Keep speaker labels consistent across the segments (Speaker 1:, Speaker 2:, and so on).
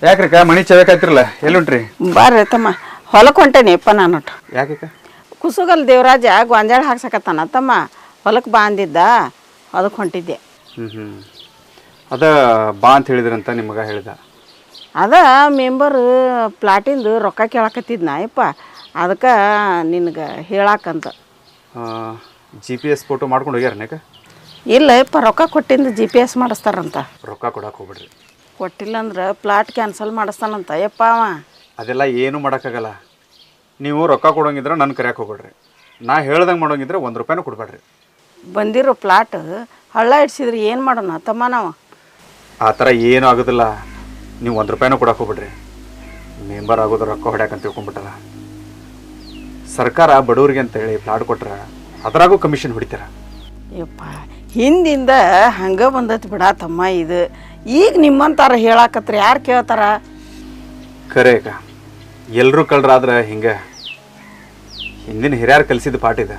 Speaker 1: ಯಾಕ್ರಿಕ ಮನಿ ಚಬೇಕಾಯ್ತಿರಲ್ಲ ಎಲ್ಲುಂಟ್ರಿ?
Speaker 2: ಬರ್ರಿ ತಮ್ಮ ಹೊಲಕ್ಕೆ ಹೊಂಟೇನಿಪ್ಪ ನಾನು.
Speaker 1: ಯಾಕೆ?
Speaker 2: ಕುಸುಗಲ್ ದೇವರಾಜ ಗೊಂಜಾಳ ಹಾಕ್ಸಕತ್ತಾನ ತಮ್ಮ, ಹೊಲಕ್ಕೆ ಬಾ ಅಂದಿದ್ದ, ಅದಕ್ಕೆ ಹೊಂಟಿದ್ದೆ.
Speaker 1: ಅದ ಬಾ ಅಂತ ಹೇಳಿದ್ರಂತ ನಿಮಗೆ ಹೇಳಿದ?
Speaker 2: ಅದ ಮೆಂಬರ್ ಪ್ಲಾಟಿಂದು ರೊಕ್ಕ ಕೇಳಕತ್ತಿದ್ನ ಯಪ್ಪ, ಅದಕ್ಕೆ ನಿನಗೆ ಹೇಳಾಕಂತ.
Speaker 1: GPS ಫೋಟೋ ಮಾಡ್ಕೊಂಡು ಹೋಗ್ಯಾರನೇಕ?
Speaker 2: ಇಲ್ಲ ಯಪ್ಪ, ರೊಕ್ಕ ಕೊಟ್ಟಿಂದ GPS ಮಾಡಿಸ್ತಾರಂತ.
Speaker 1: ರೊಕ್ಕ ಕೊಡಕ್ಕೆ ಹೋಗ್ಬಿಡ್ರಿ.
Speaker 2: ಕೊಟ್ಟಿಲ್ಲ ಅಂದ್ರೆ ಪ್ಲಾಟ್ ಕ್ಯಾನ್ಸಲ್ ಮಾಡಿಸ್ತಾನಂತ ಯಪ್ಪ ಅವ.
Speaker 1: ಅದೆಲ್ಲ ಏನೂ ಮಾಡೋಕ್ಕಾಗಲ್ಲ. ನೀವು ರೊಕ್ಕ ಕೊಡೋಂಗಿದ್ರೆ ನನ್ನ ಕರೆಯಕ್ಕೆ ಹೋಗ್ಬೇಡ್ರಿ. ನಾ ಹೇಳ್ದಂಗೆ ಮಾಡೋಂಗಿದ್ರೆ ₹1 ಕೊಡಬೇಡ್ರಿ.
Speaker 2: ಬಂದಿರೋ ಪ್ಲಾಟ್ ಹಳ್ಳ ಇಡ್ಸಿದ್ರೆ ಏನು ಮಾಡೋಣ ತಮ್ಮ ನಾವು?
Speaker 1: ಆ ಥರ ಏನೂ ಆಗೋದಿಲ್ಲ. ನೀವು ₹1 ಕೊಡಕ್ಕೆ ಹೋಗ್ಬಿಡ್ರಿ. ಮೆಂಬರ್ ಆಗೋದು ರೊಕ್ಕ ಹೊಡ್ಯಾಕಂತ ತಿಳ್ಕೊಂಬಿಟ್ಟಲ್ಲ. ಸರ್ಕಾರ ಬಡವ್ರಿಗೆ ಅಂತೇಳಿ ಪ್ಲಾಟ್ ಕೊಟ್ರೆ ಅದರಾಗೂ ಕಮಿಷನ್ ಹೊಡಿತಾರ.
Speaker 2: ಯಪ್ಪ ಹಿಂದಿಂದ ಹಂಗೆ ಬಂದೈತಿ ಬಿಡ ತಮ್ಮ. ಇದು ಈಗ ನಿಮ್ಮಂತಾರ ಹೇಳಾಕತ್ರ ಯಾರು ಕೇಳ್ತಾರ?
Speaker 1: ಖರೆ ಅಕ್ಕ, ಎಲ್ಲರೂ ಕಳ್ರಾದ್ರೆ ಹಿಂಗೆ. ಹಿಂದಿನ ಹಿರಿಯರು ಕಲಿಸಿದ ಪಾಠ ಇದೆ.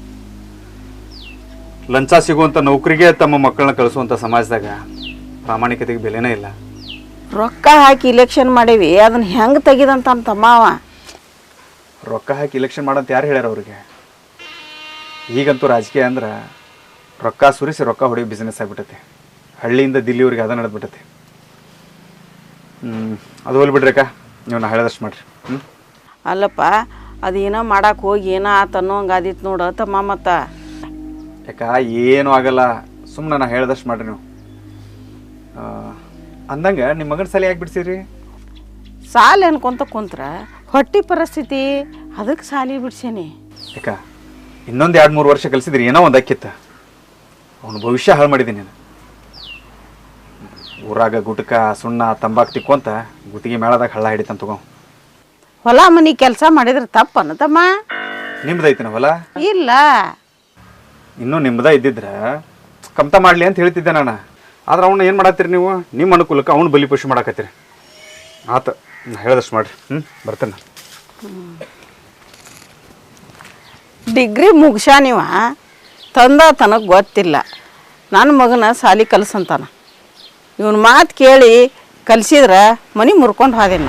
Speaker 1: ಲಂಚ ಸಿಗುವಂಥ ನೌಕರಿಗೆ ತಮ್ಮ ಮಕ್ಕಳನ್ನ ಕಳಿಸುವಂಥ ಸಮಾಜದಾಗ ಪ್ರಾಮಾಣಿಕತೆಗೆ ಬೆಲೆನೇ ಇಲ್ಲ.
Speaker 2: ರೊಕ್ಕ ಹಾಕಿ ಇಲೆಕ್ಷನ್ ಮಾಡೀವಿ, ಅದನ್ನ ಹೆಂಗೆ ತೆಗಿದಂತ ತಮ್ಮ ಅವ.
Speaker 1: ರೊಕ್ಕ ಹಾಕಿ ಇಲೆಕ್ಷನ್ ಮಾಡಂತ ಯಾರು ಹೇಳ್ಯಾರ ಅವ್ರಿಗೆ? ಈಗಂತೂ ರಾಜಕೀಯ ಅಂದ್ರೆ ರೊಕ್ಕ ಸುರಿಸಿ ರೊಕ್ಕ ಹೊಡೆಯೋ ಬಿಸ್ನೆಸ್ ಆಗಿಬಿಟ್ಟೈತಿ. ಹಳ್ಳಿಯಿಂದ ದಿಲ್ಲಿವರೆಗೆ ಅದ ನಡೆದ್ಬಿಟ್ಟೈತಿ. ಅದು ಹೋಲ್ಬಿಡ್ರಿ ಅಕ್ಕ, ನೀವು ನಾ ಹೇಳಿದಷ್ಟು ಮಾಡಿರಿ.
Speaker 2: ಅಲ್ಲಪ್ಪ, ಅದೇನೋ ಮಾಡಕ್ಕೆ ಹೋಗಿ ಏನೋ ಆತ ಅನ್ನೋ ಹಂಗೆ ಆದಿತ್ತು ನೋಡು ತಮ್ಮ. ಮತ್ತು
Speaker 1: ಯಾಕ ಏನೂ ಆಗಲ್ಲ, ಸುಮ್ಮನೆ ನಾ ಹೇಳ್ದಷ್ಟು ಮಾಡಿರಿ ನೀವು. ಅಂದಂಗೆ ನಿಮ್ಮ ಮಗನ ಸಾಲಿ ಯಾಕೆ ಬಿಡ್ಸಿರಿ?
Speaker 2: ಸಾಲ ಅನ್ಕೊಂತ ಕುಂತ್ರ ಹೊಟ್ಟಿ ಪರಿಸ್ಥಿತಿ, ಅದಕ್ಕೆ ಸಾಲಿ ಬಿಡ್ಸೇನಿ.
Speaker 1: ಯಾಕ ಇನ್ನೊಂದು 2-3 ವರ್ಷ ಕಲಿಸಿದ್ರಿ ಏನೋ ಒಂದು ಅಕ್ಕಿತ್ತ. ಅವನು ಭವಿಷ್ಯ ಹಾಳು ಮಾಡಿದ್ದೀನಿ ನಾನು. ಊರಾಗ ಗುಟ್ಕ ಸುಣ್ಣ ತಂಬಾಕು ತಿಕ್ಕೊಂತ ಗುತ್ತಿಗೆ ಮೇಳದಾಗ ಹಳ್ಳ ಹಿಡಿತಂತ ತಗೋ.
Speaker 2: ಹೊಲ ಮನೆ ಕೆಲಸ ಮಾಡಿದ್ರೆ ತಪ್ಪನ ತಮ್ಮ?
Speaker 1: ನಿಮ್ದೈತಿನ ಹೊಲ?
Speaker 2: ಇಲ್ಲ,
Speaker 1: ಇನ್ನೂ ನಿಮ್ದ ಇದ್ದಿದ್ರೆ ಕಮ್ತ ಮಾಡಲಿ ಅಂತ ಹೇಳ್ತಿದ್ದೆ ನಾನು. ಆದ್ರೆ ಅವನ್ನ ಏನು ಮಾಡತ್ತೀರಿ ನೀವು? ನಿಮ್ಮ ಅನುಕೂಲಕ್ಕೆ ಅವ್ನು ಬಲಿಪಶು ಮಾಡಾಕತ್ತೀರಿ. ಆತ, ನಾ ಹೇಳ್ದಷ್ಟು ಮಾಡಿರಿ. ಬರ್ತೇನೆ.
Speaker 2: ಡಿಗ್ರಿ ಮುಗ್ಸ್ಯಾನಿವ, ತಂದ ತನಗೆ ಗೊತ್ತಿಲ್ಲ. ನನ್ನ ಮಗನ ಸಾಲಿ ಕಲ್ಸಂತಾನ. ಇವನ್ ಮಾತು ಕೇಳಿ ಕಲಿಸಿದ್ರೆ ಮನೆ ಮುರ್ಕೊಂಡು ಹೋದಿನ.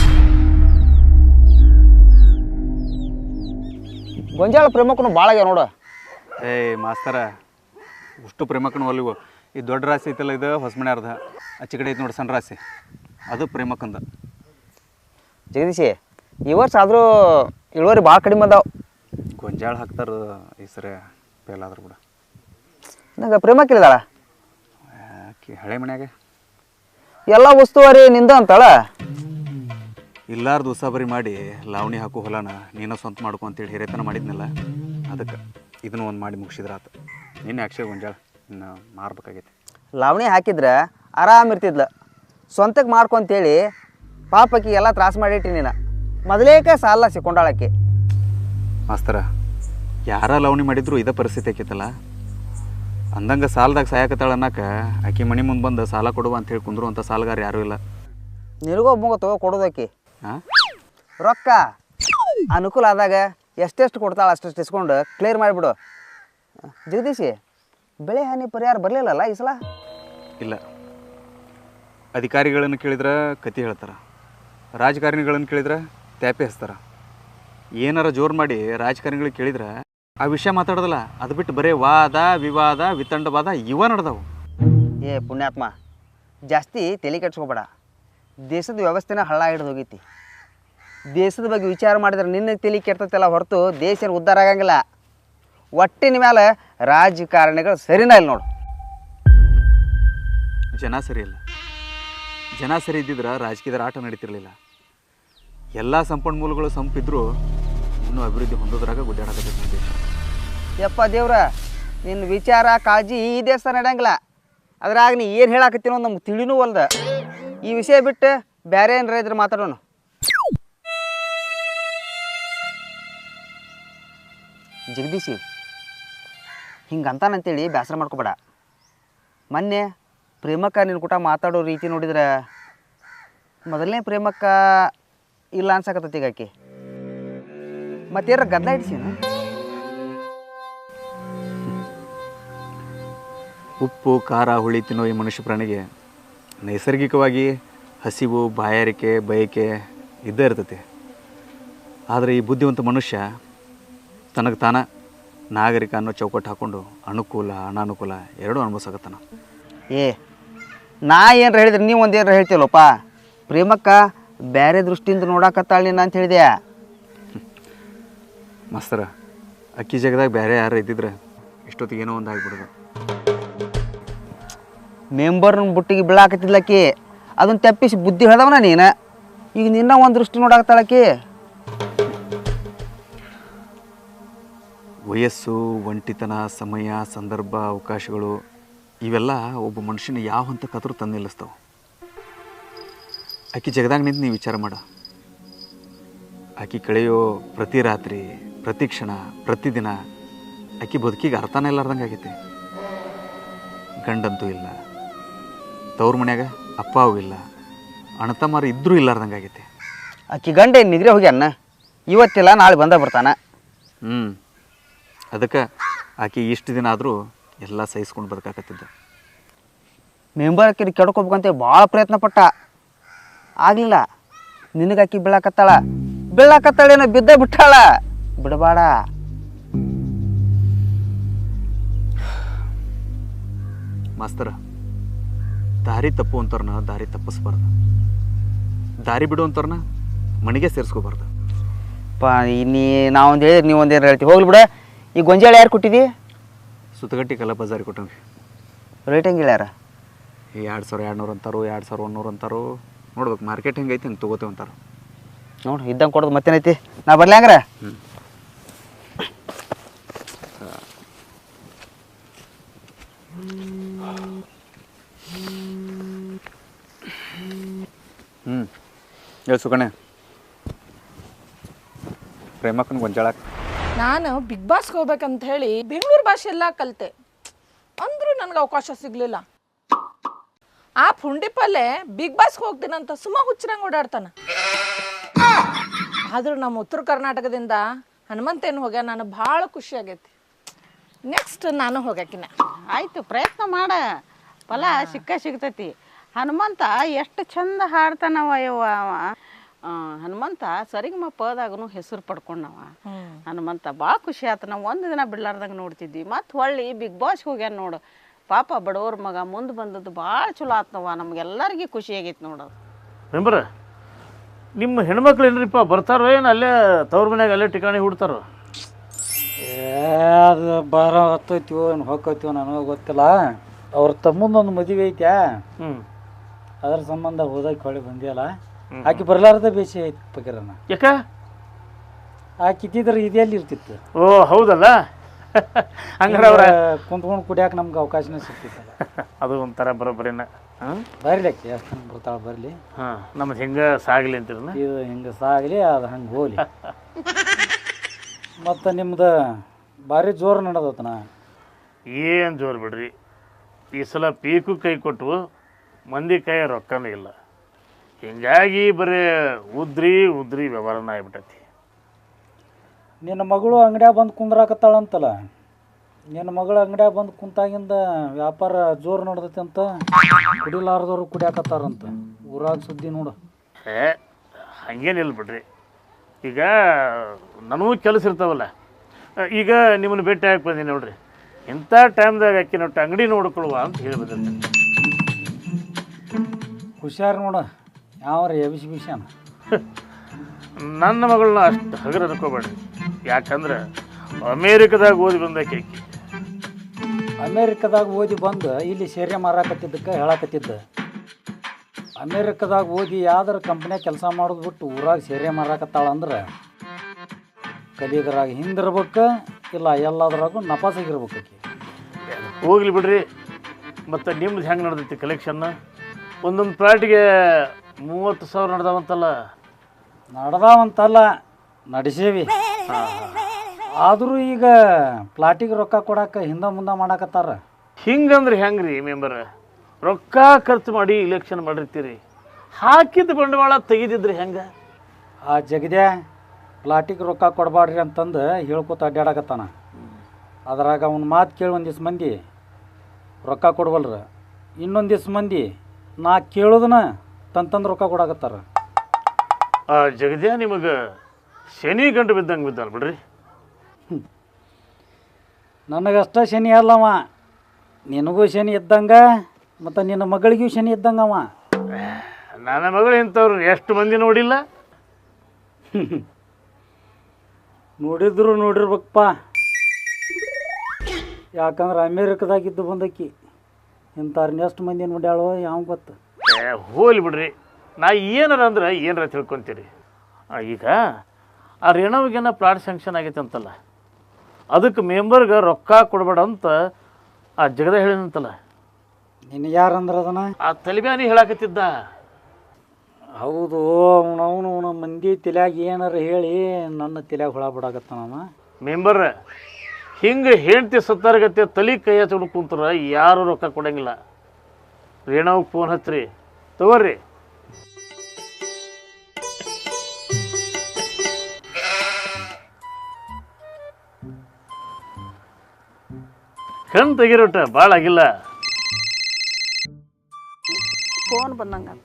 Speaker 3: ಗೊಂಜಾಳ ಪ್ರೇಮಕ್ಕೂ ಭಾಳ ಆಗ್ಯಾವ ನೋಡು.
Speaker 1: ಏಯ್ ಮಾಸ್ತರ, ಅಷ್ಟು ಪ್ರೇಮಕ್ಕನ ಒಲಿವು. ಈ ದೊಡ್ಡ ರಾಶಿ ಐತಲ್ಲ, ಇದು ಹೊಸಮನೆ ಅರ್ಧ. ಆಚೆ ಕಡೆ ಐತೆ ನೋಡಿ ಸಣ್ಣ ರಾಶಿ, ಅದು ಪ್ರೇಮಕ್ಕಂದ.
Speaker 3: ಜಗದೀಶಿ, ಈ ವರ್ಷ ಆದರೂ ಇಳುವರಿ ಭಾಳ ಕಡಿಮೆ ಅದಾವ.
Speaker 1: ಗೊಂಜಾಳ ಹಾಕ್ತಾರ ಈ ಸರಿ, ಫೇಲ್ ಆದ್ರೂ ಕೂಡ.
Speaker 3: ನಂಗೆ ಪ್ರೇಮಕ್ಕಿದ್ದಾಳ
Speaker 1: ಯಾಕೆ ಹಳೆ ಮನ್ಯಾಗ
Speaker 3: ಎಲ್ಲ ಉಸ್ತುವಾರಿ ನಿಂದ ಅಂತಾಳ.
Speaker 1: ಇಲ್ಲಾರ್ದು ಉಸಾಬರಿ ಮಾಡಿ ಲಾವಣಿ ಹಾಕೋ ಹೊಲನ ನೀನು ಸ್ವಂತ ಮಾಡ್ಕೊ ಅಂತೇಳಿ ಹಿರೇತನ ಮಾಡಿದ್ನಲ್ಲ, ಅದಕ್ಕೆ ಇದನ್ನು ಒಂದು ಮಾಡಿ ಮುಗಿಸಿದ್ರ ಆತ. ನಿನ್ನೆ ಅಕ್ಷಯ ಗೊಂಜಾಳ ಇನ್ನು ಮಾರ್ಬೇಕಾಗೈತಿ.
Speaker 3: ಲಾವಣಿ ಹಾಕಿದ್ರೆ ಆರಾಮ್ ಇರ್ತಿದ್ಲ. ಸ್ವಂತಕ್ಕೆ ಮಾಡ್ಕೊಂತೇಳಿ ಪಾಪಕ್ಕೆ ಎಲ್ಲ ತ್ರಾಸ ಮಾಡಿಟ್ಟಿ ನೀನು. ಮೊದಲೇಕ ಸಾಲ ಸಿಕ್ಕೊಂಡಾಳಕ್ಕೆ.
Speaker 1: ಮಾಸ್ತರ, ಯಾರ ಲಾವಣಿ ಮಾಡಿದ್ರು ಇದೇ ಪರಿಸ್ಥಿತಿ ಆಕೈತಲ್ಲ. ಅಂದಂಗೆ ಸಾಲದಾಗ ಸಾಯಕತ್ತಾಳ ಅನ್ನಕ್ಕೆ ಆಕೆ ಮನೆ ಮುಂದೆ ಬಂದು ಸಾಲ ಕೊಡುವ ಅಂತೇಳಿ ಕುಂದ್ರು ಅಂತ ಸಾಲಗಾರ ಯಾರೂ ಇಲ್ಲ.
Speaker 3: ನಿನಗೊಬ್ಬ ತಗೋ ಕೊಡೋದಕ್ಕೆ
Speaker 1: ಹಾಂ,
Speaker 3: ರೊಕ್ಕ ಅನುಕೂಲ ಆದಾಗ ಎಷ್ಟೆಷ್ಟು ಕೊಡ್ತಾಳೆ ಅಷ್ಟೆಷ್ಟು ಇಸ್ಕೊಂಡು ಕ್ಲಿಯರ್ ಮಾಡಿಬಿಡು. ಜಗದೀಶಿ, ಬೆಳೆ ಹಾನಿ ಪರಿಹಾರ ಬರಲಿಲ್ಲಲ್ಲ ಈ ಸಲ?
Speaker 1: ಇಲ್ಲ. ಅಧಿಕಾರಿಗಳನ್ನು ಕೇಳಿದ್ರೆ ಕತಿ ಹೇಳ್ತಾರೆ, ರಾಜಕಾರಣಿಗಳನ್ನು ಕೇಳಿದ್ರೆ ತ್ಯಾಪೆ ಹಚ್ತಾರೆ. ಏನಾರ ಜೋರು ಮಾಡಿ ರಾಜಕಾರಣಿಗಳಿಗೆ ಕೇಳಿದ್ರೆ ಆ ವಿಷಯ ಮಾತಾಡೋದಲ್ಲ, ಅದು ಬಿಟ್ಟು ಬರೀ ವಾದ ವಿವಾದ ವಿತಂಡವಾದ ಇವ ನಡೆದವು.
Speaker 3: ಏ ಪುಣ್ಯಾತ್ಮ, ಜಾಸ್ತಿ ತಲೆ ಕೆಡ್ಸ್ಕೊಬೇಡ. ದೇಶದ ವ್ಯವಸ್ಥೆನ ಹಳ್ಳ ಹಿಡಿದು ಹೋಗೈತಿ. ದೇಶದ ಬಗ್ಗೆ ವಿಚಾರ ಮಾಡಿದ್ರೆ ನಿನ್ನ ತಲೆ ಕೆಡ್ತೈತಲ್ಲ ಹೊರತು ದೇಶ ಉದ್ಧಾರ ಆಗಂಗಿಲ್ಲ. ಒಟ್ಟಿನ ಮೇಲೆ ರಾಜಕಾರಣಿಗಳು ಸರಿನಾ ಇಲ್ಲ ನೋಡು.
Speaker 1: ಜನ ಸರಿ ಇಲ್ಲ. ಜನ ಸರಿ ಇದ್ದಿದ್ರೆ ರಾಜಕೀಯದ ಆಟ ನಡೀತಿರ್ಲಿಲ್ಲ. ಎಲ್ಲ ಸಂಪನ್ಮೂಲಗಳು ಸಂಪಿದ್ರು ಇನ್ನೂ ಅಭಿವೃದ್ಧಿ ಹೊಂದೋದ್ರಾಗ ಗುಡ್ಡಾಡಕತ್ತೈತಿ ದೇಶ.
Speaker 3: ಯಪ್ಪ ದೇವ್ರ, ನಿನ್ನ ವಿಚಾರ ಕಾಳಜಿ ಈ ದೇಶ ನಡೆಯಂಗಿಲ್ಲ. ಅದ್ರಾಗ ನೀ ಏನು ಹೇಳಾಕತ್ತೀನೋ ನಮ್ಗೆ ತಿಳಿನೂ ಅಲ್ದ. ಈ ವಿಷಯ ಬಿಟ್ಟು ಬೇರೆ ಏನಾರ ಇದ್ರೆ ಮಾತಾಡೋಣ. ಜಗದೀಶಿ, ಹಿಂಗಂತಾನಂತೇಳಿ ಬೇಸರ ಮಾಡ್ಕೊಬೇಡ. ಮೊನ್ನೆ ಪ್ರೇಮಕ್ಕ ನಿನ್ನ ಕೂಟ ಮಾತಾಡೋ ರೀತಿ ನೋಡಿದ್ರೆ ಮೊದಲನೇ ಪ್ರೇಮಕ್ಕ ಇಲ್ಲ ಅನ್ಸಕತ್ತೈತಿ ಈಗ ಆಕಿ. ಮತ್ತೇನಾರ ಗದ್ದಲ ಇಡ್ಸೀನ?
Speaker 1: ಉಪ್ಪು ಖಾರ ಹುಳಿ ತಿನ್ನೋ ಈ ಮನುಷ್ಯ ಪ್ರಾಣಿಗೆ ನೈಸರ್ಗಿಕವಾಗಿ ಹಸಿವು ಬಾಯಾರಿಕೆ ಬಯಕೆ ಇದ್ದೇ ಇರ್ತೈತಿ. ಆದರೆ ಈ ಬುದ್ಧಿವಂತ ಮನುಷ್ಯ ತನಗೆ ತಾನ ನಾಗರಿಕ ಅನ್ನೋ ಚೌಕಟ್ಟು ಹಾಕ್ಕೊಂಡು ಅನುಕೂಲ ಅನಾನುಕೂಲ ಎರಡೂ ಅನುಭವಿಸಕತ್ತಾನ.
Speaker 3: ಏ ನಾ ಏನಾರ ಹೇಳಿದ್ರೆ ನೀವು ಒಂದು ಏನಾರ ಹೇಳ್ತೀವಲ್ಲಪ್ಪ. ಪ್ರೇಮಕ್ಕ ಬೇರೆ ದೃಷ್ಟಿಯಿಂದ ನೋಡಕತ್ತಾಳ ನೀನು ಅಂತ ಹೇಳಿದೆ.
Speaker 1: ಮಾಸ್ತರ, ಅಕ್ಕಿ ಜಾಗದಾಗ ಬೇರೆ ಯಾರು ಇದ್ದಿದ್ರೆ ಇಷ್ಟೊತ್ತಿಗೆ ಏನೋ ಒಂದು ಆಗಿಬಿಡೋದು.
Speaker 3: ಮೆಂಬರ್ನ ಬುಟ್ಟಿಗೆ ಬೀಳಾಕತ್ತಿದ್ಲಕ್ಕಿ, ಅದನ್ನು ತಪ್ಪಿಸಿ ಬುದ್ಧಿ ಹೇಳ್ದವನ ನೀನು. ಈಗ ನಿನ್ನ ಒಂದು ದೃಷ್ಟಿ ನೋಡಾಕತ್ತಾಳಕ್ಕಿ.
Speaker 1: ವಯಸ್ಸು, ಒಂಟಿತನ, ಸಮಯ, ಸಂದರ್ಭ, ಅವಕಾಶಗಳು ಇವೆಲ್ಲ ಒಬ್ಬ ಮನುಷ್ಯನ ಯಾವ ಹಂತಕ್ಕಾದ್ರೂ ತಂದು ನಿಲ್ಲಿಸ್ತಾವೆ. ಆಕಿ ಜಗದಾಗ ನಿಂತು ನೀವು ವಿಚಾರ ಮಾಡ. ಆಕಿ ಕಳೆಯೋ ಪ್ರತಿ ರಾತ್ರಿ, ಪ್ರತಿ ಕ್ಷಣ, ಪ್ರತಿದಿನ ಆಕಿ ಬದುಕಿಗೆ ಅರ್ಥನೇ ಇಲ್ಲಾರ್ದಂಗೆ ಆಗೈತಿ. ಗಂಡಂತೂ ಇಲ್ಲ, ತವ್ರ ಮನ್ಯಾಗ ಅಪ್ಪ ಅವು ಇಲ್ಲ, ಅಣ್ಣತಮ್ಮರು ಇದ್ರೂ ಇಲ್ಲಾರ್ದಂಗೆ ಆಗೈತಿ.
Speaker 3: ಆಕಿ ಗಂಡ ಏನು ನಿದ್ರೆ ಹೋಗ್ಯಾನ, ಇವತ್ತಿಲ್ಲ ನಾಳೆ ಬಂದ ಬರ್ತಾನೆ.
Speaker 1: ಅದಕ್ಕೆ ಆಕೆ ಇಷ್ಟು ದಿನ ಆದರೂ ಎಲ್ಲ ಸಹಿಸ್ಕೊಂಡು ಬದುಕಾಕತ್ತಿದ್ದ.
Speaker 3: ಮೆಂಬರ್ ಆಕಿನ ಕೆಡ್ಕೋಬೇಕಂತ ಭಾಳ ಪ್ರಯತ್ನ ಪಟ್ಟ, ಆಗಲಿಲ್ಲ. ನಿನಗೆ ಆಕಿ ಬೀಳಾಕತ್ತಾಳೇನೋ ಬಿದ್ದ ಬಿಟ್ಟಾಳ. ಬಿಡಬೇಡ.
Speaker 1: ಮಾಸ್ತರ, ದಾರಿ ತಪ್ಪು ಅಂತವ್ರನ್ನ ದಾರಿ ತಪ್ಪಿಸ್ಬಾರ್ದು, ದಾರಿ ಬಿಡು ಅಂತವ್ರನ್ನ ಮನೆಗೆ ಸೇರಿಸ್ಕೋಬಾರ್ದು.
Speaker 3: ನೀ ನಾವೊಂದು ಹೇಳಿದ್ರೆ ನೀವೊಂದು ಏನು ಹೇಳ್ತೀವಿ, ಹೋಗ್ಲಿ ಬಿಡ. ಈ ಗೊಂಜಾಳ ಯಾರು ಕೊಟ್ಟಿದ್ದಿ?
Speaker 1: ಸುತ್ತಗಟ್ಟಿ ಕಲ್ಲ ಬಜಾರಿ ಕೊಟ್ಟಂಗೆ.
Speaker 3: ರೇಟ್ ಹೆಂಗೆ ಹೇಳ್ಯಾರ?
Speaker 1: 2200 ಅಂತಾರೋ, 2100 ಅಂತಾರೋ. ನೋಡ್ಬೇಕು ಮಾರ್ಕೆಟ್ ಹೆಂಗೈತಿ ಹಂಗೆ ತೊಗೋತೇವೆ ಅಂತಾರ.
Speaker 3: ನೋಡು ಇದ್ದಂಗೆ ಕೊಡೋದು ಮತ್ತೇನೈತಿ. ನಾ ಬರ್ಲಿ ಹಂಗಾರ?
Speaker 1: ಹೇಳಿ ಸುಕಣೆ, ಪ್ರೇಮಕ್ಕನ ಗೊಂಜಾಳ.
Speaker 4: ನಾನು ಬಿಗ್ ಬಾಸ್ಗೆ ಹೋಗ್ಬೇಕಂತ ಹೇಳಿ ಬೆಂಗಳೂರು ಭಾಷೆ ಎಲ್ಲ ಕಲಿತೆ, ಅಂದರೂ ನನಗೆ ಅವಕಾಶ ಸಿಗಲಿಲ್ಲ. ಆ ಪುಂಡಿಪಲ್ಲೆ ಬಿಗ್ ಬಾಸ್ಗೆ ಹೋಗ್ತೀನಂತ ಸುಮ್ಮ ಹುಚ್ಚರಂಗೆ ಓಡಾಡ್ತಾನೆ. ಆದರೂ ನಮ್ಮ ಉತ್ತರ ಕರ್ನಾಟಕದಿಂದ ಹನುಮಂತೇನು ಹೋಗ್ಯ, ನನಗೆ ಭಾಳ ಖುಷಿ ಆಗೈತಿ. ನೆಕ್ಸ್ಟ್ ನಾನು ಹೋಗ್ಯಾಕಿನ.
Speaker 2: ಆಯಿತು, ಪ್ರಯತ್ನ ಮಾಡ, ಫಲ ಸಿಗ್ತೈತಿ. ಹನುಮಂತ ಎಷ್ಟು ಚಂದ ಹಾಡ್ತಾನವ ಯವ್ವ. ಹನುಮಂತ ಸರಿಗಮ ಪದಾಗೂ ಹೆಸರು ಪಡ್ಕೊಂಡವ. ಹನುಮಂತ ಭಾಳ ಖುಷಿ ಆಯ್ತು. ನಾವು ಒಂದು ದಿನ ಬಿಡ್ಲಾರ್ದಂಗೆ ನೋಡ್ತಿದ್ವಿ. ಮತ್ತು ಹೊಳ್ಳಿ ಬಿಗ್ ಬಾಸ್ಗೆ ಹೋಗ್ಯಾನ ನೋಡು. ಪಾಪ ಬಡವ್ರ ಮಗ ಮುಂದೆ ಬಂದದ್ದು ಭಾಳ ಚಲೋ ಆತ್ನವ. ನಮ್ಗೆಲ್ಲರಿಗೂ ಖುಷಿ ಆಗೈತೆ ನೋಡೋದು.
Speaker 5: ಮೆಂಬರ್, ನಿಮ್ಮ ಹೆಣ್ಮಕ್ಳು ಏನ್ರಿಪ್ಪ ಬರ್ತಾರೋ ಏನು ಅಲ್ಲೇ ತವ್ರ ಮನ್ಯಾಗ ಅಲ್ಲೇ ಠಿಕಾಣಿ ಹುಡ್ತಾರೋ?
Speaker 6: ಅದು ಬಾರ ಹತ್ತೋಯ್ತೀವೋ ಏನು ಹೋಗ್ಕೋತೀವೋ ನನಗೆ ಗೊತ್ತಿಲ್ಲ. ಅವ್ರ ತಮ್ಮಂದೊಂದು ಮದುವೆ ಐತ್ಯಾ, ಅದ್ರ ಸಂಬಂಧ ಹೋದಕ್ಕೆ ಹೊಳಿ ಬಂದಿಯಲ್ಲ. ಆಕೆ ಬರ್ಲಾರ್ದ ಬೇಸಿ ಐತಿ ಪಕೀರನ.
Speaker 5: ಯಾಕ?
Speaker 6: ಆಕೆ ಇದ್ದಿದ್ರೆ ಇದೆಯಲ್ಲಿ ಇರ್ತಿತ್ತು.
Speaker 5: ಓ ಹೌದಲ್ಲ, ಹಂಗಾರೆ ಅವ್ರ
Speaker 6: ಕುಂತ್ಕೊಂಡು ಕುಡಿಯಾಕ ನಮ್ಗೆ ಅವಕಾಶನೇ ಸಿಗ್ತಿತ್ತಲ್ಲ.
Speaker 5: ಅದು ಒಂಥರ ಬರೋಬ್ಬರಿನ.
Speaker 6: ಬರಲಿ ಆಕೆ ಎಷ್ಟು ಬರ್ತಾಳೆ ಬರಲಿ.
Speaker 5: ನಮ್ದು ಹೆಂಗೆ ಸಾಗಲಿ ಅಂತೀರನ?
Speaker 6: ಇದು ಹಿಂಗೆ ಸಾಗಲಿ, ಅದು ಹಂಗೆ ಹೋಗ್ಲಿ. ಮತ್ತು ನಿಮ್ದು ಭಾರಿ ಜೋರು ನಡೆದತನ.
Speaker 5: ಏನು ಜೋರು ಬಿಡ್ರಿ, ಈ ಸಲ ಪೀಕು ಕೈ ಕೊಟ್ಟು ಮಂದಿ ಕೈ ರೊಕ್ಕನೂ ಇಲ್ಲ. ಹಿಂಗಾಗಿ ಬರೀ ಉದ್ರಿ ವ್ಯವಹಾರನ ಆಗ್ಬಿಟ್ಟೈತಿ.
Speaker 6: ನಿನ್ನ ಮಗಳು ಅಂಗಡ್ಯಾಗ ಬಂದು ಕುಂದ್ರಾಕತ್ತಾಳಂತಲ್ಲ. ನಿನ್ನ ಮಗಳು ಅಂಗಡ್ಯಾಗ ಬಂದು ಕುಂತಾಗಿಂದ ವ್ಯಾಪಾರ ಜೋರು ನಡೆದೈತಿ ಅಂತ ಕುಡಿಲಾರ್ದವ್ರು ಕುಡಿಯಾಕತ್ತಾರಂತ ಊರಾಗ ಸುದ್ದಿ ನೋಡು.
Speaker 5: ಹಂಗೇನಿಲ್ಲ ಬಿಡ್ರಿ. ಈಗ ನನಗೂ ಕೆಲಸ ಇರ್ತಾವಲ್ಲ. ಈಗ ನಿಮ್ಮನ್ನು ಭೇಟಿ ಹಾಕಿ ಬಂದೀನಿ ನೋಡ್ರಿ. ಇಂಥ ಟೈಮ್ದಾಗ ಅಕ್ಕಿ ನೋಟ್ಟು ಅಂಗಡಿ ನೋಡ್ಕೊಳುವ ಅಂತ ಹೇಳಿ ಬಂದಿರ್ತೀನಿ.
Speaker 6: ಹುಷಾರು ನೋಡು, ಯಾವ್ರ ಎಬಿಸಿ ಬಿಷಾನ.
Speaker 5: ನನ್ನ ಮಗಳನ್ನ ಅಷ್ಟು ಹಗರ ಅನ್ಕೋಬೇಡ್ರಿ. ಯಾಕಂದ್ರೆ ಅಮೇರಿಕದಾಗ ಓದಿ ಬಂದಕ್ಕೆ ಆಕಿ.
Speaker 6: ಅಮೇರಿಕದಾಗ ಓದಿ ಬಂದು ಇಲ್ಲಿ ಸೇರೆ ಮಾರಾಕತ್ತಿದ್ದಕ್ಕೆ ಹೇಳಕತ್ತಿದ್ದ. ಅಮೇರಿಕದಾಗ ಓದಿ ಯಾವ್ದಾರ ಕಂಪ್ನಿಯಾಗ ಕೆಲಸ ಮಾಡೋದು ಬಿಟ್ಟು ಊರಾಗ ಸೇರೆ ಮಾರಾಕತ್ತಾಳಂದ್ರೆ ಕಲಿಯೋದ್ರಾಗ ಹಿಂದಿರ್ಬೇಕು, ಇಲ್ಲ ಎಲ್ಲದ್ರಾಗೂ ನಪಾಸಾಗಿರ್ಬೇಕು ಆಕಿ.
Speaker 5: ಹೋಗ್ಲಿ ಬಿಡ್ರಿ. ಮತ್ತು ನಿಮ್ದು ಹೆಂಗೆ ನಡೆದೈತಿ ಕಲೆಕ್ಷನ್ನ? ಒಂದೊಂದು ಪ್ಲಾಟಿಗೆ 30,000 ನಡೆದಾವಂತಲ್ಲ.
Speaker 6: ನಡೆದಾವಂತಲ್ಲ, ನಡೆಸೇವಿ. ಆದರೂ ಈಗ ಪ್ಲಾಟಿಗೆ ರೊಕ್ಕ ಕೊಡಕ್ಕೆ ಹಿಂದೆ ಮುಂದೆ ಮಾಡಾಕತ್ತಾರ.
Speaker 5: ಹಿಂಗಂದ್ರೆ ಹೆಂಗೆ ರೀ ಮೆಂಬರ್? ರೊಕ್ಕ ಖರ್ಚು ಮಾಡಿ ಇಲೆಕ್ಷನ್ ಮಾಡಿರ್ತೀರಿ, ಹಾಕಿದ ಬಂಡವಾಳ ತೆಗೆದಿದ್ರಿ ಹೆಂಗೆ?
Speaker 6: ಆ ಜಗದ್ಯಾ ಪ್ಲಾಟಿಗೆ ರೊಕ್ಕ ಕೊಡಬಾಡ್ರಿ ಅಂತಂದು ಹೇಳ್ಕೊತ ಅಡ್ಡಾಡಕತ್ತಾನ. ಅದ್ರಾಗ ಅವ್ನ ಮಾತು ಕೇಳಿ ಒಂದಿವ್ಸ ಮಂದಿ ರೊಕ್ಕ ಕೊಡ್ವಲ್ರ, ಇನ್ನೊಂದಿವ್ಸ ಮಂದಿ ನಾ ಕೇಳೋದನ್ನ ತಂದು ರೊಕ್ಕ ಕೊಡಾಕತ್ತಾರ.
Speaker 5: ಆ ಜಗದ್ಯಾ ನಿಮಗೆ ಶನಿ ಗಂಟು ಬಿದ್ದಂಗೆ ಬಿದ್ದಾನ ಬಿಡ್ರಿ.
Speaker 6: ನನಗಷ್ಟ ಶನಿ ಅಲ್ಲವ, ನಿನಗೂ ಶನಿ ಇದ್ದಂಗ ಮತ್ತು ನಿನ್ನ ಮಗಳಿಗೂ ಶನಿ ಇದ್ದಂಗವ.
Speaker 5: ನನ್ನ ಮಗಳು ಇಂಥವ್ರು ಎಷ್ಟು ಮಂದಿ ನೋಡಿಲ್ಲ.
Speaker 6: ನೋಡಿರ್ಬೇಕಪ್ಪ, ಯಾಕಂದ್ರೆ ಅಮೇರಿಕದಾಗಿದ್ದು ಬಂದಕ್ಕಿ ಇಂಥವ್ರನ್ನ ಎಷ್ಟು ಮಂದಿ ನೋಡ್ಯಾಳೋ ಯಾವ ಗೊತ್ತು.
Speaker 5: ಹೋಲಿ ಬಿಡ್ರಿ, ನಾ ಏನಾರ ಅಂದ್ರೆ ಏನಾರ ತಿಳ್ಕೊತೀರಿ. ಈಗ ಆ ರೇಣವಿಗೇನ ಪ್ಲಾಟ್ ಸ್ಯಾಂಕ್ಷನ್ ಆಗೈತೆ ಅಂತಲ್ಲ, ಅದಕ್ಕೆ ಮೆಂಬರ್ಗೆ ರೊಕ್ಕ ಕೊಡಬೇಡ ಅಂತ ಆ ಜಗದ ಹೇಳಿನಂತಲ್ಲ.
Speaker 6: ನಿನ್ನ ಯಾರಂದ್ರೆ ಅದನ್ನ
Speaker 5: ಆ ತಲಿಬ್ಯಾನಿ ಹೇಳಾಕತ್ತಿದ್ದ.
Speaker 6: ಹೌದು, ಅವನು ಮಂದಿ ತಲೆಯಾಗ ಏನಾರ ಹೇಳಿ ನನ್ನ ತಲೆಯಾಗ ಹುಳ ಬಿಡಾಕತ್ತಾನವ.
Speaker 5: ಮೆಂಬರ್ ಹಿಂಗೆ ಹೆಂಡ್ತಿ ಸತ್ತಾರಗತ್ತೆ ತಲೆ ಕೈ ಹಚ್ಕೊಂಡು ಕುಂತ್ರ ಯಾರು ರೊಕ್ಕ ಕೊಡಂಗಿಲ್ಲ. ರೇಣವ್ಗೆ ಫೋನ್ ಹಚ್ಚ್ರಿ, ತಗೋರಿ. ಕಣ್ ತೆಗಿರೋಟ ಭಾಳ ಆಗಿಲ್ಲ.
Speaker 2: ಫೋನ್ ಬಂದಂಗಂತ.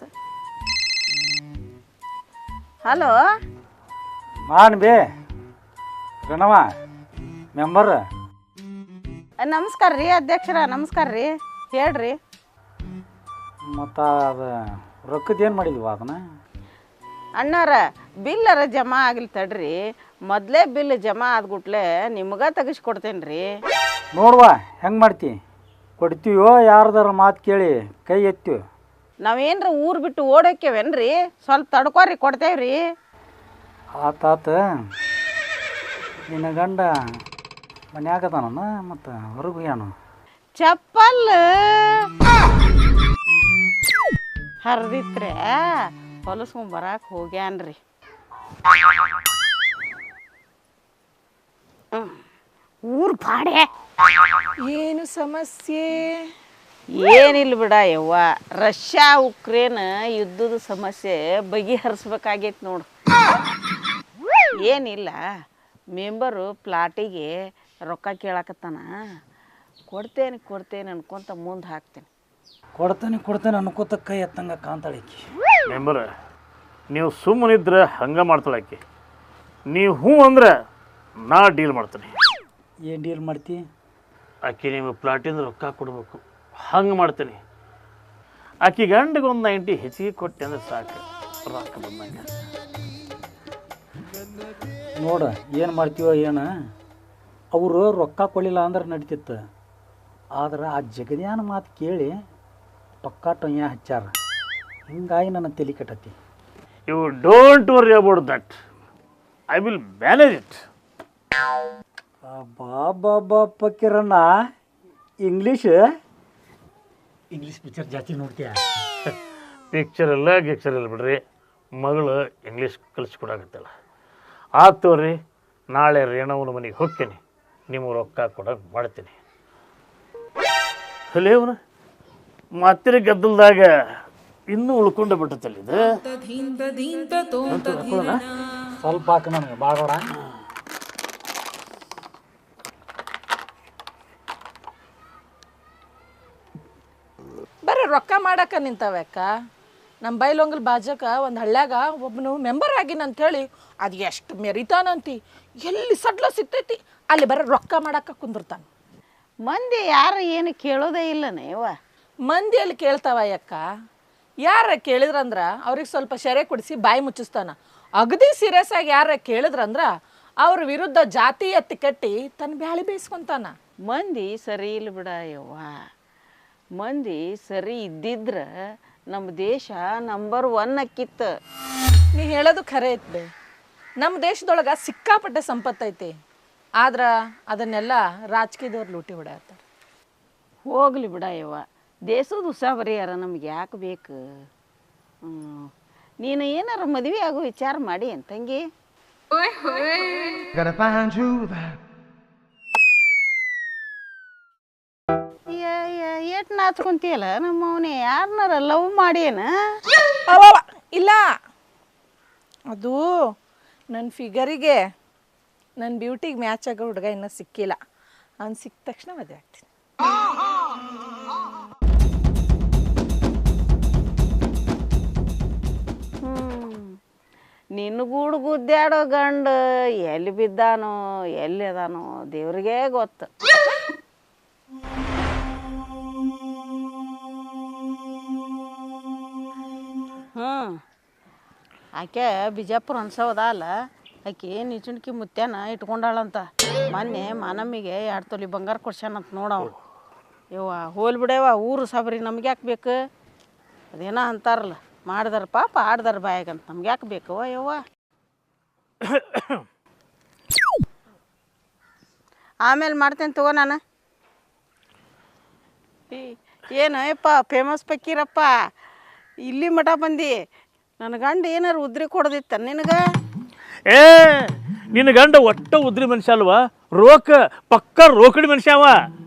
Speaker 2: ಹಲೋ,
Speaker 6: ಮಾನ್ ಬೇ ಗಣವ ಮೆಂಬರ್.
Speaker 2: ನಮಸ್ಕಾರ ರೀ ಅಧ್ಯಕ್ಷರ, ನಮಸ್ಕಾರ ರೀ, ಹೇಳ್ರಿ.
Speaker 6: ಮತ್ತು ಅದು ರೊಕ್ಕದ್ದೇನು ಮಾಡಿದ್ವ ಅದನ್ನ?
Speaker 2: ಅಣ್ಣಾರ ಬಿಲ್ಲರ ಜಮಾ ಆಗಿಲ್ಲ ತಡ್ರಿ, ಮೊದಲೇ ಬಿಲ್ ಜಮಾ ಆದ್ಗುಟ್ಲೆ ನಿಮ್ಗೆ ತೆಗಿಸ್ಕೊಡ್ತೇನೆ ರೀ.
Speaker 6: ನೋಡುವ ಹೆಂಗೆ ಮಾಡ್ತಿ, ಕೊಡ್ತೀವೋ ಯಾರ್ದಾರ ಮಾತು ಕೇಳಿ ಕೈ ಎತ್ತೀವಿ.
Speaker 2: ನಾವೇನ್ರ ಊರು ಬಿಟ್ಟು ಓಡೋಕ್ಯವೇನ್ರಿ, ಸ್ವಲ್ಪ ತಡ್ಕೊರಿ, ಕೊಡ್ತೇವ್ರಿ.
Speaker 6: ಆತಾತ. ನಿನ್ನ ಗಂಡ ಮನ್ಯಾಗದಾನ ಮತ್ತು ಹೊರಗೆ ಏನು
Speaker 2: ಚಪ್ಪಲ್ ಹರಿದಿತ್ರೆ ಹೊಲಸ್ಕೊಂಡ್ ಬರಾಕ್ ಹೋಗ್ಯಾನ್ರಿ. ಊರ್ ಬಾಡೆ
Speaker 4: ಏನು ಸಮಸ್ಯೆ?
Speaker 2: ಏನಿಲ್ಲ ಬಿಡ ಯವ್ವ, ರಷ್ಯಾ ಉಕ್ರೇನ್ ಯುದ್ಧದ ಸಮಸ್ಯೆ ಬಗೆಹರಿಸ್ಬೇಕಾಗೈತಿ ನೋಡು. ಏನಿಲ್ಲ, ಮೆಂಬರು ಪ್ಲಾಟಿಗೆ ರೊಕ್ಕ ಕೇಳಾಕತ್ತಾನ. ಕೊಡ್ತೇನೆ ಅನ್ಕೊಂತ ಮುಂದೆ ಹಾಕ್ತೇನೆ.
Speaker 6: ಕೊಡ್ತೇನೆ ಅನ್ಕೋತ ಕೈ ಎತ್ತಂಗ ಕಾಂತಾಳಿಕಿ.
Speaker 5: ಮೆಂಬರ್ ನೀವು ಸುಮ್ಮನಿದ್ರೆ ಹಂಗೆ ಮಾಡ್ತಾಳಾಕಿ. ನೀವು ಹ್ಞೂ ಅಂದ್ರೆ ನಾ ಡೀಲ್ ಮಾಡ್ತೀನಿ.
Speaker 6: ಏನು ಡೀಲ್ ಮಾಡ್ತಿ?
Speaker 5: ಆಕೆ ನಿಮಗೆ ಪ್ಲಾಟಿಂದ ರೊಕ್ಕ ಕೊಡಬೇಕು, ಹಂಗೆ ಮಾಡ್ತೀನಿ. ಆಕೆ ಗಂಡಿಗೆ ಒಂದು 90 ಹೆಚ್ಚಿಗೆ ಕೊಟ್ಟೆ ಅಂದ್ರೆ ಸಾಕು, ರೊಕ್ಕ ಬಂದಂಗೆ.
Speaker 6: ನೋಡ ಏನು ಮಾಡ್ತೀವೋ ಏನು, ಅವರು ರೊಕ್ಕ ಕೊಡಲಿಲ್ಲ ಅಂದ್ರೆ ನಡೀತಿತ್ತು. ಆದ್ರೆ ಆ ಜಗದ್ಯಾನ ಮಾತು ಕೇಳಿ ಪಕ್ಕಾ ಟೊಯ್ಯ ಹಚ್ಚಾರ, ಹಿಂಗಾಗಿ ನನ್ನ ತಲೆ ಕೆಟ್ಟತಿ.
Speaker 5: You don't worry about that, I will manage it.
Speaker 6: ಬಾಬಾ ಪಕ್ಕಿರಣ್ಣ, ಇಂಗ್ಲೀಷ್ ಪಿಕ್ಚರ್ ಜಾಸ್ತಿ ನೋಡ್ತೀಯ?
Speaker 5: ಪಿಕ್ಚರ್ ಎಲ್ಲ ಗಿಕ್ಚರ್ ಇಲ್ಲ ಬಿಡ್ರಿ, ಮಗಳು ಇಂಗ್ಲೀಷ್ ಕಲಿಸ್ಕೊಡಾಕತ್ತಲ್ಲ. ಆತೋರಿ, ನಾಳೆ ರೇಣವನ ಮನೆಗೆ ಹೋಗ್ತೀನಿ, ನಿಮಗೆ ರೊಕ್ಕ ಕೊಡೋಕೆ ಮಾಡ್ತೀನಿ. ಅಲ್ಲೇವನ ಮತ್ತೆ ಗದ್ದಲ್ದಾಗ ಇನ್ನೂ ಉಳ್ಕೊಂಡು ಬಿಟ್ಟತ್ತಲ್ಲ ಇದು.
Speaker 6: ಸ್ವಲ್ಪ ಹಾಕ ನನಗೆ ಭಾಳ ಬೇಡ.
Speaker 4: ಬರೀ ರೊಕ್ಕ ಮಾಡಕ್ಕೆ ನಿಂತವ್ಯಾಕ? ನಮ್ಮ ಬೈಲೊಂಗಲ್ ಬಾಜಕ ಒಂದು ಹಳ್ಳ್ಯಾಗ ಒಬ್ಬನು ಮೆಂಬರ್ ಆಗಿನ ಅಂಥೇಳಿ ಅದು ಎಷ್ಟು ಮೆರಿತಾನಂತಿ. ಎಲ್ಲಿ ಸಡ್ಲ ಸಿಗ್ತೈತಿ ಅಲ್ಲಿ ಬರೀ ರೊಕ್ಕ ಮಾಡಕ್ಕೆ ಕುಂದಿರ್ತಾನೆ.
Speaker 2: ಮಂದಿ ಯಾರು ಏನು ಕೇಳೋದೇ ಇಲ್ಲನೇ ಯವ್ವ.
Speaker 4: ಮಂದಿಯಲ್ಲಿ ಕೇಳ್ತಾವ ಅಕ್ಕ, ಯಾರ ಕೇಳಿದ್ರಂದ್ರ ಅವ್ರಿಗೆ ಸ್ವಲ್ಪ ಶೆರೆ ಕೊಡಿಸಿ ಬಾಯಿ ಮುಚ್ಚಿಸ್ತಾನ. ಅಗದಿ ಸೀರಿಯಸ್ ಆಗಿ ಯಾರ ಕೇಳಿದ್ರಂದ್ರ ಅವ್ರ ವಿರುದ್ಧ ಜಾತಿ ಎತ್ತಿ ಕಟ್ಟಿ ತನ್ನ ಬ್ಯಾಳಿ ಬೇಯಿಸ್ಕೊಂತಾನ.
Speaker 2: ಮಂದಿ ಸರಿ ಇಲ್ಲ ಬಿಡ ಯವ್ವ. ಮಂದಿ ಸರಿ ಇದ್ದಿದ್ರ ನಮ್ಮ ದೇಶ ನಂಬರ್ 1 ಅಕ್ಕಿತ್ತು.
Speaker 4: ನೀ ಹೇಳೋದು ಖರೆ ಐತೆ. ನಮ್ಮ ದೇಶದೊಳಗೆ ಸಿಕ್ಕಾಪಟ್ಟೆ ಸಂಪತ್ತೈತಿ, ಆದ್ರೆ ಅದನ್ನೆಲ್ಲ ರಾಜಕೀಯದವ್ರು ಲೂಟಿ ಹೊಡೆಯತ್ತಾರೆ.
Speaker 2: ಹೋಗ್ಲಿ ಬಿಡ ಯವ್ವ, ದೇಶದ ಉಸಾಬರಿಯಾರ ನಮ್ಗೆ ಯಾಕೆ ಬೇಕು? ನೀನು ಏನಾರ ಮದುವೆ ಆಗೋ ವಿಚಾರ ಮಾಡಿ ಏನು ತಂಗಿ? ಏಟ್ ನಾಚ್ಕೊಂತೀಯಲ್ಲ ನಮ್ಮ ಅವನೇ, ಯಾರನ್ನಾರ ಲವ್ ಮಾಡೇನ?
Speaker 4: ಇಲ್ಲ, ಅದು ನನ್ನ ಫಿಗರಿಗೆ ನನ್ನ ಬ್ಯೂಟಿಗೆ ಮ್ಯಾಚ್ ಆಗೋ ಹುಡುಗ ಇನ್ನೂ ಸಿಕ್ಕಿಲ್ಲ. ಅವ್ನು ಸಿಕ್ಕ ತಕ್ಷಣ ಮದುವೆ ಆಗ್ತೀನಿ.
Speaker 2: ನಿನ್ಗೂಡು ಗುದ್ದಾಡೋ ಗಂಡ ಎಲ್ಲಿ ಬಿದ್ದಾನೋ ಎಲ್ಲಿ ಅದಾನೋ ದೇವ್ರಿಗೇ ಗೊತ್ತು. ಆಕೆ ಬಿಜಾಪುರ ಅನ್ಸೋದ ಅಲ್ಲ, ಆಕೆ ನಿಚುಣ್ಕಿ ಮುತ್ಯಾನ ಇಟ್ಕೊಂಡಾಳಂತ. ಮೊನ್ನೆ ಮಾನಮ್ಮಿಗೆ 2 ತೊಲಿ ಬಂಗಾರ ಕೊಡ್ಸ್ಯಾನಂತ ನೋಡವ. ಯವ್ವ ಹೋಲ್ ಬಿಡವ, ಊರು ಸಾಬ್ರಿ ನಮ್ಗೆ ಯಾಕೆ ಬೇಕು? ಅದೇನೋ ಅಂತಾರಲ್ಲ, ಮಾಡಿದಾರ ಪಾಪ ಆಡ್ದಾರ ಬಾಯಾಗಂತ, ನಮ್ಗೆ ಯಾಕೆ ಬೇಕವ ಯವ್ವ? ಆಮೇಲೆ ಮಾಡ್ತೇನೆ ತಗೋ ನಾನು. ಏನು ಯಪ್ಪ ಫೇಮಸ್ ಪಕ್ಕೀರಪ್ಪ, ಇಲ್ಲಿ ಮಠ ಬಂದು ನನ್ನ ಗಂಡ ಏನಾರು ಉದ್ರಿ ಕೊಡದಿತ್ತ ನಿನಗೆ?
Speaker 5: ಏ ನಿನ್ನ ಗಂಡ ಒಟ್ಟ ಉದ್ರಿ ಮನುಷ್ಯ ಅಲ್ವಾ, ಪಕ್ಕ ರೋಕಡಿ ಮನುಷ್ಯ ಅವ.